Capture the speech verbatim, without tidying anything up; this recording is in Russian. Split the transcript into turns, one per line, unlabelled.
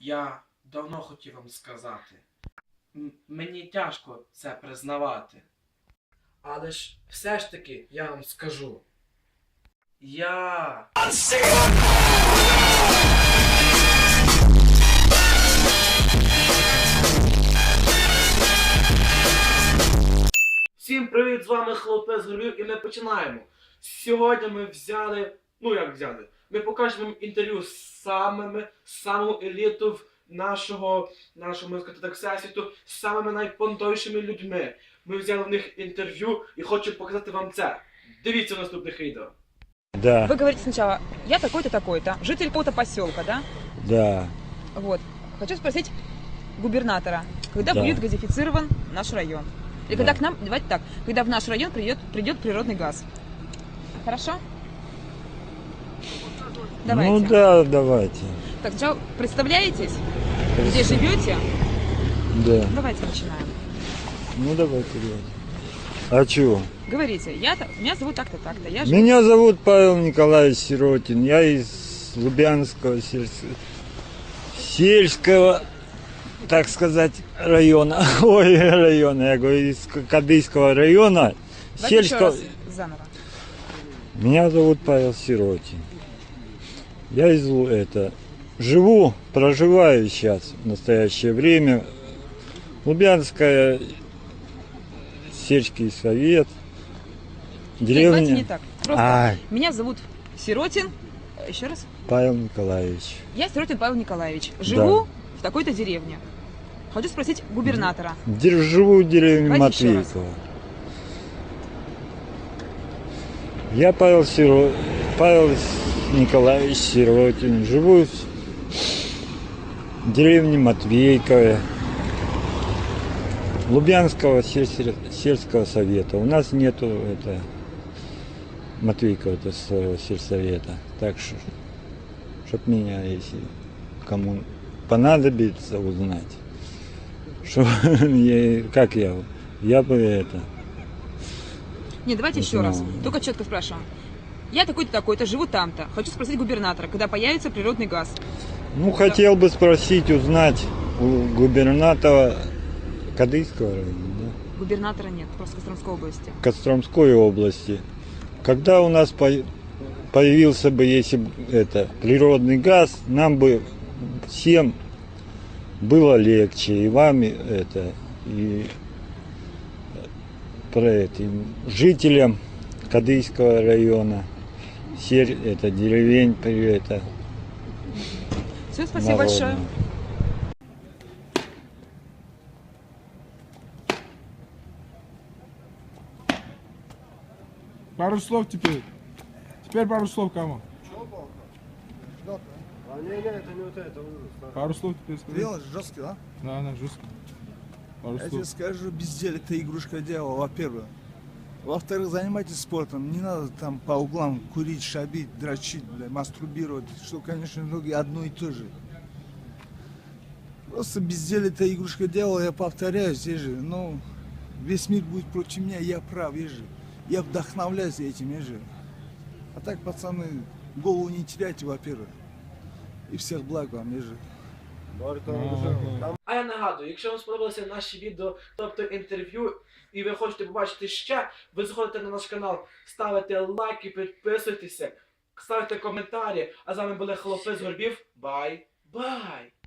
Я давно хотів вам сказати. М- мені тяжко це признавати. Але ж все ж таки я вам скажу. Я... Всім привіт, з вами Хлопець Горбів і ми починаємо. Сьогодні ми взяли, ну як взяли, ми покажемо вам інтерв'ю з самими, самою елітою нашого, нашого, можна сказати так, всесвіту, з самими найпонтовішими людьми. Ми взяли в них інтерв'ю і хочу показати вам це. Дивіться в наступних відео.
Да,
Вы говорите сначала, я такой-то, такой-то, житель какого-то поселка, да?
да.
Вот. Хочу спросить губернатора, когда
Да.
будет газифицирован наш район? Или
Да.
когда к нам, давайте так, когда в наш район придет, придет природный газ? Хорошо? Давайте.
Ну да, давайте.
Так, сначала представляетесь, где живете?
Да.
Давайте начинаем.
Ну давайте, давайте. А чё?
Говорите, я, та- меня зовут так-то, так-то, я живу...
Меня зовут Павел Николаевич Сиротин. Я из Лубянского сельского, сельского, так сказать, района. Ой, района. Я говорю, из Кадыйского района.
Давайте еще
Сельского...
раз заново.
Меня зовут Павел Сиротин. Я из Лу- это живу, проживаю сейчас в настоящее время. Лубянская, сельский совет,
Нет,
деревня.
давайте не так. Просто
Ай.
меня зовут Сиротин. Еще раз.
Павел Николаевич.
Я Сиротин Павел Николаевич. Живу в такой-то деревне. Хочу спросить губернатора.
Дер- Живу в деревне
Давайте еще раз.
Матвейково. Я Павел Сиро... Павел Николаевич Сиротин. Живу в деревне Матвейково. Лубянского сельс- сельского совета. У нас нету это Матвейкова это своего сельсовета. Так что, чтоб меня, если кому понадобится узнать, что я, как я, я бы это.
Нет, давайте
Не
еще раз.
знаю.
Только четко спрашиваем. Я такой-то, такой-то, живу там-то. Хочу спросить губернатора, когда появится природный газ.
Ну, хотел бы спросить, узнать у губернатора Кадыйского района, да?
Губернатора нет, просто Костромской области.
Костромской области. Когда у нас по- появился бы, если б это природный газ, нам бы всем было легче, и вам и это, и про это, и жителям Кадыйского района, сер- это деревень, при- это
Все, спасибо
народного.
большое.
Пару слов теперь. Теперь пару слов кому?
А не, не, это не вот это. вот.
Пару слов теперь скажи.
Дело жесткий, да?
Да, да, жестко. Пару
Я тебе
слов.
скажу, безделие это игрушка дьявола, во-первых. Во-вторых, занимайтесь спортом. Не надо там по углам курить, шабить, дрочить, бля, мастурбировать. Что, конечно, многие одно и то же. Просто безделие это игрушка дьявола, я повторяюсь, я же, ну, весь мир будет против меня, я прав, я же. Я вдохновляюсь этим, я же. А так, пацаны, голову не теряйте, во-первых. И всех благ вам, я же.
Ага.
А я нагадую, якщо вам сподобалося наші відео, тобто інтерв'ю, і ви хочете побачити ще, ви заходите на наш канал, ставите лайки, підписуйтеся, ставите коментарі. А з вами були Хлопець Горбів. Бай! Бай!